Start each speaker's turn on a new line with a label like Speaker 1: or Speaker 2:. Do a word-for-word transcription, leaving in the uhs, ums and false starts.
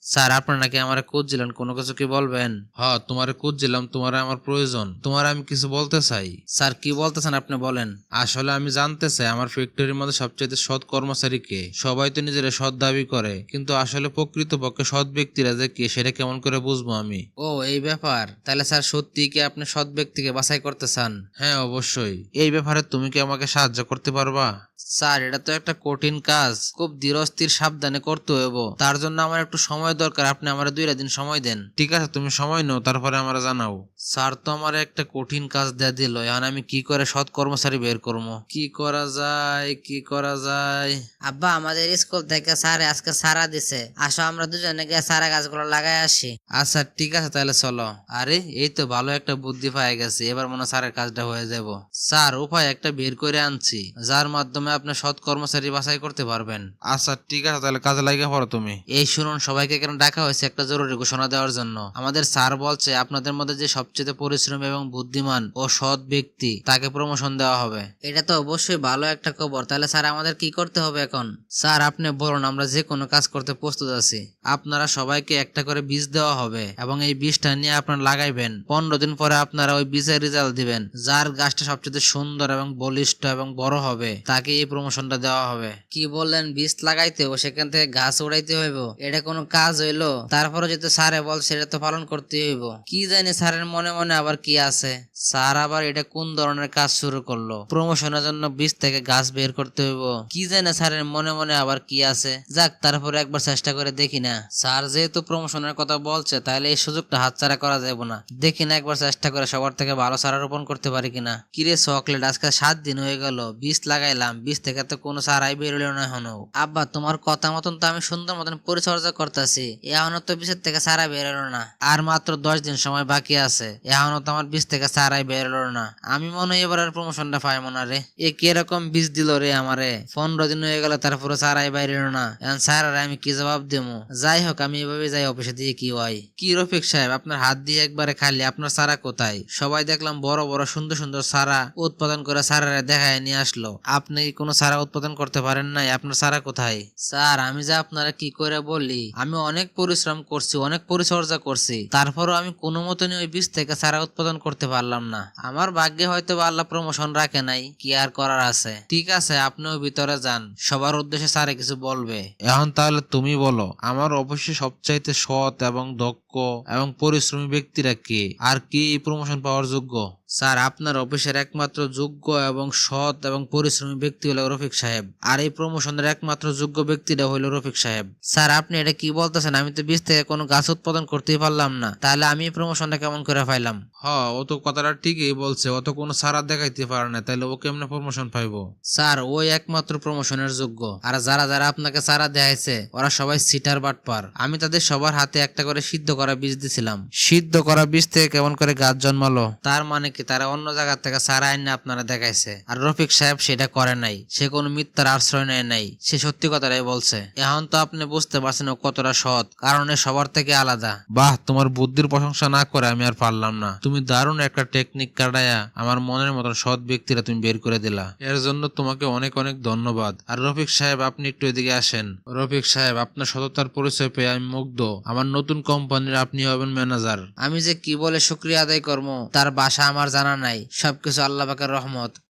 Speaker 1: Sir আপনার নাকি আমারে খুঁজছিলেন, কোনো কিছু কি বলবেন?
Speaker 2: হ, তোমারে খুঁজছিলাম, তোমারে আমার প্রয়োজন, তোমার আমি কিছু বলতে চাই।
Speaker 1: স্যার কি বলতেছেন আপনি বলেন।
Speaker 2: আসলে আমি জানতে চাই আমার ফ্যাক্টরির মধ্যে সবচেয়ে সৎ কর্মচারী কে। সবাই তো নিজেরা সৎ দাবি করে, কিন্তু আসলে প্রকৃতপক্ষে সৎ ব্যক্তিরা যে কে সেটা কেমন করে বুঝবো আমি?
Speaker 1: ও এই ব্যাপার, তাহলে স্যার সত্যি কি আপনি সৎ ব্যক্তিকে বাছাই করতে চান?
Speaker 2: হ্যাঁ, অবশ্যই। এই ব্যাপারে তুমি কি আমাকে সাহায্য করতে পারবা?
Speaker 1: স্যার এটা তো একটা কঠিন কাজ, খুব ধীরস্থির সাবধানে করতে হইব। তার জন্য আমার একটু সময় দরকার, আপনি আমার দুইটা দিন সময় দেন।
Speaker 2: ঠিক আছে, তুমি সময় নাও, তারপরে আমার জানাও।
Speaker 1: স্যার তো আমার একটা কঠিন কাজ দিয়ে দিল, এখন আমি কি করে সৎ কর্মচারী বের করবো? কি করা যায়, কি করা যায়?
Speaker 3: আব্বা, আমাদের স্কুল থেকে স্যার আজকে সারা দিছে, আসো আমরা দুজনে গিয়ে সারা গাছগুলো লাগাই আসি।
Speaker 1: আচ্ছা ঠিক আছে, তাহলে চলো। আরে এই তো ভালো একটা বুদ্ধি পাই গেছে, এবার মনে হয় স্যারের কাজটা হয়ে যাব। স্যার উপায় একটা বের করে আনছি, যার মাধ্যমে আপনি সৎ কর্মচারী বাছাই করতে পারবেন।
Speaker 2: আচ্ছা ঠিক আছে, তাহলে কাজে লাগিয়ে পড়ো তুমি।
Speaker 1: এই শুনুন, সবাইকে কেন ডাকা হয়েছে একটা জরুরি ঘোষণা দেওয়ার জন্য। আমাদের স্যার বলছে আপনাদের মধ্যে যে সবচেয়ে পরিশ্রমী এবং বুদ্ধিমান ও সৎ ব্যক্তি তাকে প্রমোশন দেওয়া হবে।
Speaker 3: এটা তো অবশ্যই ভালো একটা খবর। তাহলে স্যার আমাদের কি করতে হবে এখন?
Speaker 1: স্যার আপনি বলুন, আমরা যে কোনো কাজ করতে প্রস্তুত আছি। আপনারা সবাইকে একটা করে বীজ দেওয়া হবে এবং এই বীজটা নিয়ে আপনারা লাগাইবেন। পনেরো দিন পরে আপনারা ওই বীজের রেজাল্ট দিবেন। যার গাছটা সবচেয়ে সুন্দর এবং বলিষ্ঠ এবং বড় হবে তাকে এই প্রমোশনটা দেওয়া হবে।
Speaker 3: কি বললেন, বীজ লাগাইতে হবে, সেখান থেকে গাছ উড়াইতে হইব? এটা কোনো কাজ হইলো? তারপরে যেহেতু স্যারে বল সেটা তো পালন করতে হইব। কি জানি স্যারের মনে মনে আবার কি আছে।
Speaker 1: স্যার আবার এটা কোন ধরনের কাজ শুরু করলো? প্রমোশনের জন্য বীজ থেকে গাছ বের করতে হইব? কি জানে স্যারের মনে মনে আবার কি আছে। যাক, তারপরে একবার চেষ্টা করে দেখি না। স্যার যেহেতু প্রমোশনের কথা বলছে, তাহলে এই সুযোগটা হাতছাড়া করা যাবে না। দেখি না একবার চেষ্টা করে সবার থেকে ভালো চারা রোপণ করতে পারি কিনা। কিরে চকলেট, আজকে সাত দিন হয়ে গেল, বীজ লাগাইলাম, বীজ থেকে তো কোনো চারাই বেরোলো না এখনো।
Speaker 3: আব্বা, তোমার কথা মতন তো আমি সুন্দর মতন পরিচর্যা করতেছি, এখনো তো বীজের থেকে সারা বেরোলো না।
Speaker 1: আর মাত্র দশ দিন সময় বাকি আছে, এখনো তো আমার বীজ থেকে চারাই বেরোলো না। আমি মনে হয় এবার আর প্রমোশনটা পাইব না রে। এ কিরকম বীজ দিল রে আমারে, পনেরো দিন হয়ে গেল তারপরে চারাই বাইরে না। এখন স্যার আমি কি জবাব দেবো? যাই হোক, আমি এভাবে যাই অফিসে, দিয়ে কি হয়। কি রফিক সাহেব, আপনার হাত দিয়ে একবারে খালি, আপনার চারা কোথায়? সবাই দেখলাম বড় বড় সুন্দর সুন্দর চারা উৎপাদন করে চারারে দেখায় নিয়ে আসলো, আপনি কি কোনো চারা উৎপাদন করতে পারেন নাই? আপনার চারা কোথায়? স্যার আমি যে আপনারা কি করে বলি, আমি অনেক পরিশ্রম করছি, অনেক পরিচর্যা করছি, তারপরও আমি কোনো মতনই ওই বীজ থেকে চারা উৎপাদন করতে পারলাম না। আমার ভাগ্যে হয়তো বা আল্লাহ প্রমোশন রাখে নাই, কি আর করার আছে। ঠিক আছে, আপনিও ভিতরে যান, সবার উদ্দেশ্যে স্যারে কিছু বলবে।
Speaker 2: এখন তাহলে তুমি বলো, আমার অবশ্যই সবচাইতে সৎ এবং দক্ষ এবং পরিশ্রমী ব্যক্তিরা কে, আর কি এই প্রমোশন পাওয়ার যোগ্য?
Speaker 1: স্যার আপনার অফিসের একমাত্র যোগ্য এবং সৎ এবং পরিশ্রমী ব্যক্তি হলো রফিক সাহেব, আর এই প্রমোশনের একমাত্র যোগ্য ব্যক্তিটা হইল রফিক সাহেব। স্যার আপনি এটা কি বলতেছেন? আমি তো বীজ থেকে কোনো গাছ উৎপাদন করতেই পারলাম না, তাহলে আমি এই প্রমোশনটা কেমন করে পাইলাম?
Speaker 2: হ, ও তো কথাটা ঠিকই বলছে, ও তো কোনো সারা দেখাইতে পারে না, তাহলে ও কেমনে প্রমোশন পাইবো?
Speaker 1: স্যার ওই একমাত্র প্রমোশনের যোগ্য, আর যারা যারা আপনাকে চারা দেখাইছে ওরা সবাই সিটার বাটপার। আমি তাদের সবার হাতে একটা করে সিদ্ধ করা বীজ দিছিলাম, সিদ্ধ করা বীজ থেকে কেমন করে গাছ জন্মালো? তার মানে কি তারা অন্য জায়গা থেকে চারা আইনে আপনারা দেখাইছে, আর রফিক সাহেব সেটা করে নাই, সে কোনো মিথ্যার আশ্রয় নেয় নাই, সে সত্যি কথাটাই বলছে। এখন তো আপনি বুঝতে পারছেন ও কতটা সৎ, কারণ এ সবার থেকে আলাদা।
Speaker 2: বাহ, তোমার বুদ্ধির প্রশংসা না করে আমি আর পারলাম না। তুমি দারুণ একটা টেকনিক কাটায়া আমার মনের মতন সৎ ব্যক্তিরা তুমি বের করে দিলা, এর জন্য তোমাকে অনেক অনেক ধন্যবাদ। আর রফিক সাহেব, আপনি একটু এদিকে আসেন। রফিক সাহেব, আপনার সততার পরিচয় পেয়ে আমি মুগ্ধ। আমার নতুন কোম্পানির আপনি হবেন ম্যানেজার।
Speaker 1: আমি যে কি বলে শুক্রিয়া আদায় করবো তার ভাষা আমার জানা নাই, সবকিছু আল্লাহ পাকের রহমত।